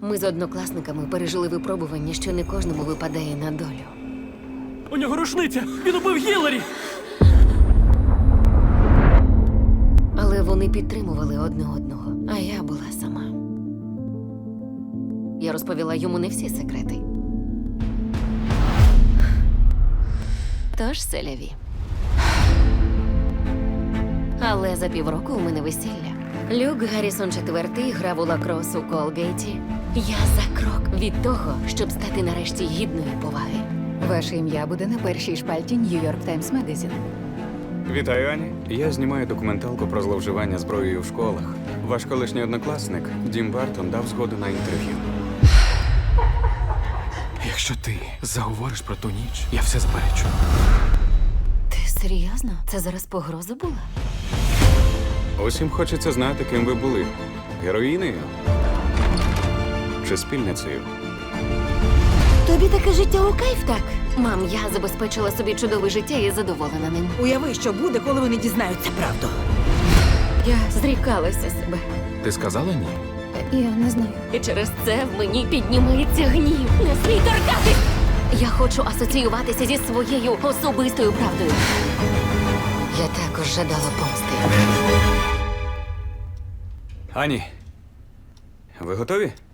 Ми з однокласниками пережили випробування, що не кожному випадає на долю. У нього рушниця! Він убив Гіларі! Але вони підтримували одне одного, а я була сама. Я розповіла йому не всі секрети. Тож селяві. Але за півроку у мене весілля. Люк Гаррісон IV грав у лакрос у Колгейті. Я за крок від того, щоб стати нарешті гідною поваги. Ваше ім'я буде на першій шпальті New York Times Magazine. Вітаю, Ані. Я знімаю документалку про зловживання зброєю в школах. Ваш колишній однокласник Дім Бартон дав згоду на інтерв'ю. Якщо ти заговориш про ту ніч, я все заперечу. Ти серйозно? Це зараз погроза була? Усім хочеться знати, ким ви були. Героїнею? Чи спільницею? Тобі таке життя у кайф, так? Мам, я забезпечила собі чудове життя і задоволена ним. Уяви, що буде, коли вони дізнаються правду. Я зрікалася себе. Ти сказала ні? Я не знаю. І через це в мені піднімається гнів. Не смій торкатись! Я хочу асоціюватися зі своєю особистою правдою. Я також жадала помсти. Ані, ви готові?